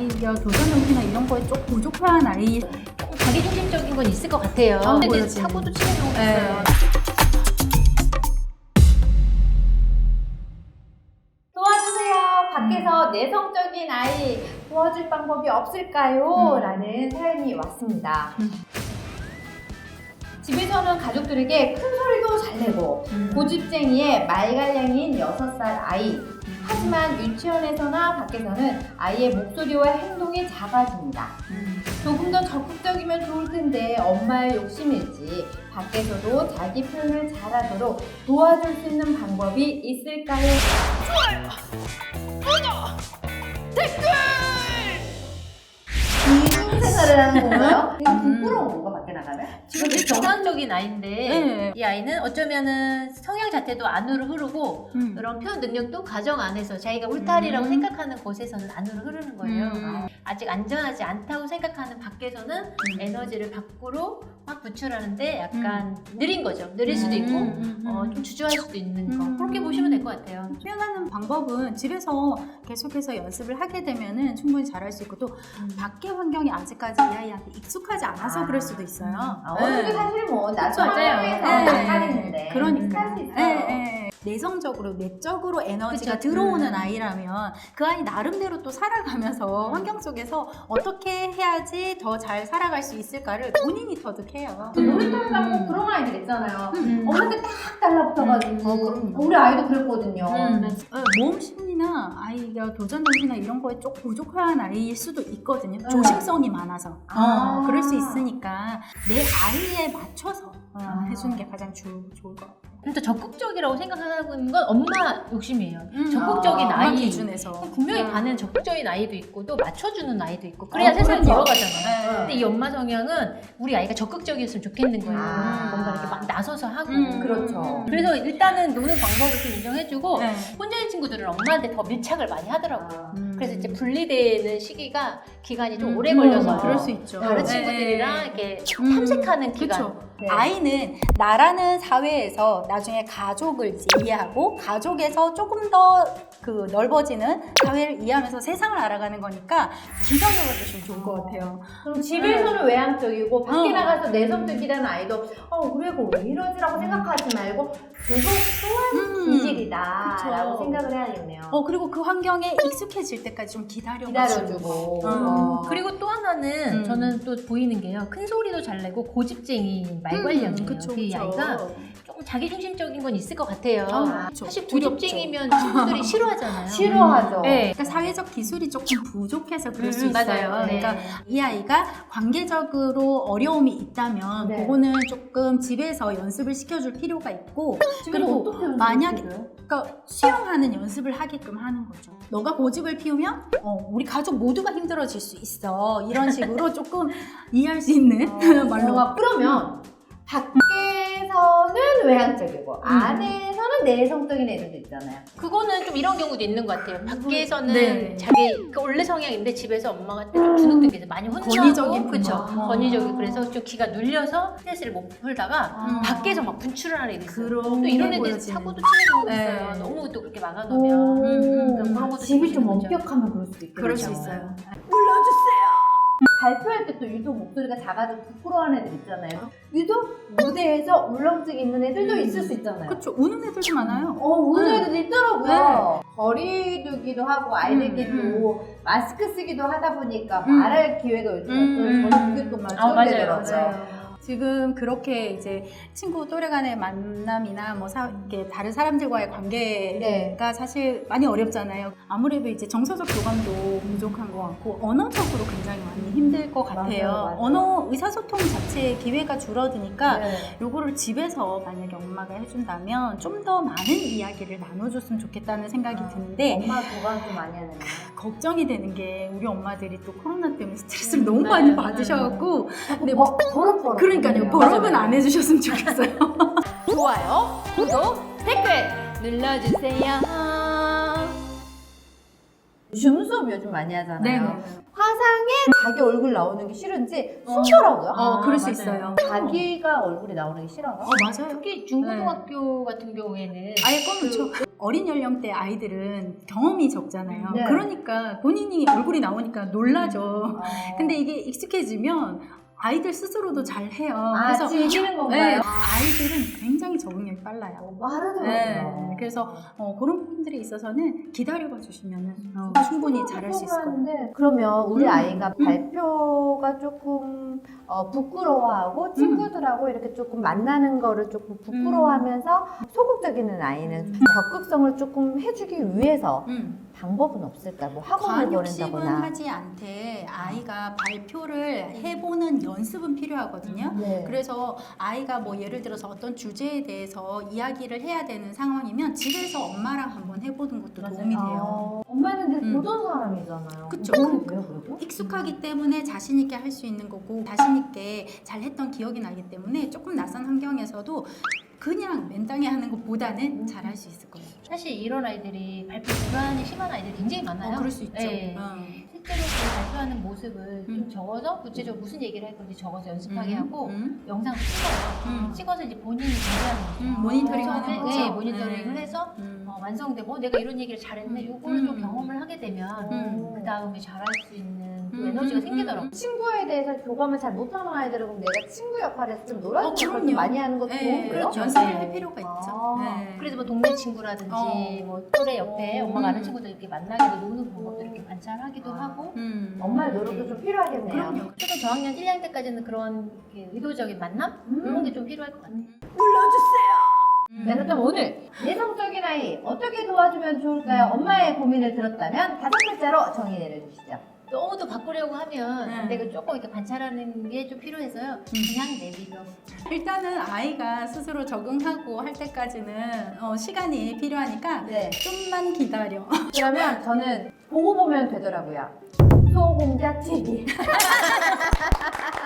아이가 도전정신이나 이런 거에 좀 부족한 아이. 자기중심적인 건 있을 것 같아요. 근데 그렇지. 사고도 치는 경우가 네. 있어요. 도와주세요. 밖에서 내성적인 아이 도와줄 방법이 없을까요? 라는 사연이 왔습니다. 집에서는 가족들에게 큰 소리도 잘 내고 고집쟁이의 말갈량이인 6살 아이. 하지만 유치원에서나 밖에서는 아이의 목소리와 행동이 작아집니다. 조금 더 적극적이면 좋을 텐데 엄마의 욕심일지 밖에서도 자기 표현을 잘하도록 도와줄 수 있는 방법이 있을까요? 이중생활을 하는 건가요? 이거 부끄러운 건가 밖에 나가면? 지금 되게 정상적인 아이인데 네. 이 아이는 어쩌면은 성향 자체도 안으로 흐르고 그런 표현 능력도 가정 안에서 자기가 울타리라고 생각하는 곳에서는 안으로 흐르는 거예요. 아직 안전하지 않다고 생각하는 밖에서는 에너지를 밖으로 막 분출하는데 약간 느린 거죠. 느릴 수도 있고 좀 주저할 수도 있는 거. 그렇게 보시면 될 것 같아요. 표현하는 방법은 집에서 계속해서 연습을 하게 되면은 충분히 잘할 수 있고 또 밖의 환경이 아직까지 이 아이한테 익숙하지 않아서 그럴 수도 있어요. 어른이 사실 뭐 나도 맞아요. 환경에서 나가는데 그러니까. 할수 있어요. 내성적으로 내적으로 에너지가 그쵸. 들어오는 아이라면 그 아이 나름대로 또 살아가면서 환경 속에서 어떻게 해야지 더 잘 살아갈 수 있을까를 본인이 터득해요. 놀이터에 가면 그런 아이들 있잖아요. 엄마한테 딱 달라붙어가지고 그럼요. 우리 아이도 그랬거든요. 모험 심리나 아이가 도전정신이나 이런 거에 좀 부족한 아이일 수도 있거든요. 조심성이 많아서. 그럴 수 있으니까 내 아이에 맞춰서 해주는 게 가장 좋을 것 같아요. 진짜 적극적이라고 생각하는 건 엄마 욕심이에요. 적극적인 엄마 아이 기준에서. 분명히 음. 반은 적극적인 아이도 있고 또 맞춰주는 아이도 있고 그래야 세상이 그렇죠. 돌아가잖아요. 네. 근데 이 엄마 성향은 우리 아이가 적극적이었으면 좋겠는 거예요. 뭔가 이렇게 막 나서서 하고. 그렇죠. 그래서 일단은 노는 방법을 좀 인정해주고 네. 혼자인 친구들은 엄마한테 더 밀착을 많이 하더라고요. 그래서 이제 분리되는 시기가 기간이 좀 오래 걸려서 그럴 수 있죠. 다른 네. 친구들이랑 이렇게 탐색하는 기간. 그렇죠. 네. 아이는 나라는 사회에서 나중에 가족을 이제 이해하고 가족에서 조금 더 그 넓어지는 사회를 이해하면서 세상을 알아가는 거니까 기성적으로 주시면 좋을 것 같아요. 그럼 집에서는 외향적이고 밖에 나가서 내성적이라는 아이도 우리 애가 왜 이러지라고 생각하지 말고 그것 또한 기질이다라고 그쵸. 생각을 해야겠네요. 그리고 그 환경에 익숙해질 때까지 좀 기다려주고. 그리고 또 하나는 저는 또 보이는 게요. 큰 소리도 잘 내고 고집쟁이 말괄량이에요. 그쵸, 이 그쵸. 아이가 조금 자기중심적인 건 있을 것 같아요. 그쵸. 사실 두렵죠. 고집쟁이면 친구들이 싫어하잖아요. 싫어하죠. 네. 그러니까 사회적 기술이 조금 부족해서 그럴 수 맞아요. 있어요. 네. 그러니까 이 아이가 관계적으로 어려움이 있다면 네. 그거는 조금 집에서 연습을 시켜줄 필요가 있고 집에서 그리고 어떻게 만약에 연습해줘요? 그러니까 수용하는 연습을 하게끔 하는 거죠. 너가 고집을 피우면 우리 가족 모두가 힘들어질 수 있어. 이런 식으로 조금 이해할 수 있는 말로. 그러면 밖에서는 외향적이고 안에서는 내성적인 애들도 있잖아요. 그거는 좀 이런 경우도 있는 것 같아요. 밖에서는 네. 자기 원래 성향인데 집에서 엄마가 좀 주눅들게 해서 많이 혼자하고 권위적인 그렇죠. 엄마. 권위적이 그래서 좀 기가 눌려서 스트레스를 못 풀다가 밖에서 막 분출을 하는 애들이 있어요. 그런 또 이런 게 애들 보여지는. 사고도 치는 경우가 네. 있어요. 너무 또 그렇게 막아놓으면 그런 것도 집이 좀 조심해야죠. 엄격하면 그럴 수도 있겠죠. 그럴 수 있어요. 발표할 때 또 유독 목소리가 작아서 부끄러워하는 애들 있잖아요. 유독 무대에서 울렁증 있는 애들도 있을 수 있잖아요. 그렇죠. 우는 애들도 많아요. 우는 애들도 있더라고요. 거리 두기도 하고 아이들끼리도 마스크 쓰기도 하다 보니까 말할 기회가 요즘 없어요. 그게 또 맞아요. 지금 그렇게 이제 친구 또래 간의 만남이나 뭐 이렇게 다른 사람들과의 관계가 사실 많이 어렵잖아요. 아무래도 이제 정서적 교감도 부족한 것 같고 언어적으로 굉장히 많이 힘들 것 같아요. 맞아요. 언어 의사소통 자체의 기회가 줄어드니까 네. 요거를 집에서 만약에 엄마가 해준다면 좀 더 많은 이야기를 나눠줬으면 좋겠다는 생각이 드는데 엄마 교감 좀 많이 하는 거. 걱정이 되는 게 우리 엄마들이 또 코로나 때문에 스트레스를 너무 많이 받으셔갖고 근데 뭐 버릇 그러니까요. 버럭은 안 해주셨으면 좋겠어요. 좋아요, 구독, 댓글 눌러주세요. 줌 수업 요즘 많이 하잖아요. 네네. 화상 영상에 자기 얼굴 나오는 게 싫은지 숨더라고요. 그럴 수 맞아요. 있어요. 자기가 얼굴이 나오는 게 싫어요. 맞아요. 특히 중고등학교 같은 경우에는 아예 꺼놓죠. 어린 연령대 아이들은 경험이 적잖아요. 네. 그러니까 본인이 얼굴이 나오니까 놀라죠. 아. 근데 이게 익숙해지면 아이들 스스로도 잘 해요. 그래서 즐기는 네, 건가요? 아이들은 굉장히 적응력이 빨라요. 빠르더라고요. 네, 그래서 그런 부분들에 있어서는 기다려봐 주시면 충분히 잘할 수 있을 거예요. 하는데 그러면 우리 음. 아이가 발표가 조금 부끄러워하고 친구들하고 이렇게 조금 만나는 거를 조금 부끄러워하면서 소극적인 아이는 적극성을 조금 해주기 위해서 방법은 없을까? 뭐 학원을 과한 욕심은 보낸다거나. 하지 않되 아이가 발표를 해보는 연습은 필요하거든요. 네. 그래서 아이가 뭐 예를 들어서 어떤 주제에 대해서 이야기를 해야 되는 상황이면 집에서 엄마랑 한번 해보는 것도 도움이 돼요. 엄마는 늘 음. 보던 사람이잖아요. 그쵸. 도움이 돼요, 그래도? 익숙하기 때문에 자신 있게 할 수 있는 거고 자신 있게 잘했던 기억이 나기 때문에 조금 낯선 환경에서도 그냥 맨땅에 하는 것보다는 잘할 수 있을 거예요. 사실 이런 아이들이 발표 불안이 심한 아이들이 굉장히 많아요. 그럴 수 있죠. 네. 실제로 그 발표하는 모습을 좀 적어서 구체적으로 무슨 얘기를 할 건지 적어서 연습하게 하고 영상을 찍어요. 찍어서 이제 본인이 준비하는 거죠. 모니터링 하는 처음에, 거죠. 네, 모니터링을 네. 해서 완성되고 내가 이런 얘기를 잘했네. 이걸 좀 경험을 하게 되면 그 다음에 잘할 수 있는 그 에너지가 생기더라고요. 친구에 대해서 교감을 잘 못하는 아이들은 그럼 내가 친구 역할에서 좀 놀아주는 걸 그럼요. 많이 하는 것도 네, 좋은 거예요? 그렇죠. 연습을 네. 할 필요가 있죠. 아. 네. 그래서 뭐 동네 친구라든지 뭐 또래 옆에 엄마가 아는 친구들 이렇게 만나기도 노는 방법도 이렇게 관찰하기도 하고 엄마의 노력도 좀 필요하겠네요. 그럼요. 초등 저학년 1학년 때까지는 그런 이렇게 의도적인 만남? 그런 게 좀 필요할 것 같아요. 네, 그럼 오늘 내성적인 아이 어떻게 도와주면 좋을까요? 엄마의 고민을 들었다면 5글자로 정의 내려주시죠. 너무 더 바꾸려고 하면 네. 내가 조금 이렇게 관찰하는 게 좀 필요해서요. 그냥 내비둬. 일단은 아이가 스스로 적응하고 할 때까지는 시간이 필요하니까 네. 좀만 기다려. 그러면 저는 보고 보면 되더라고요. 소공자 TV.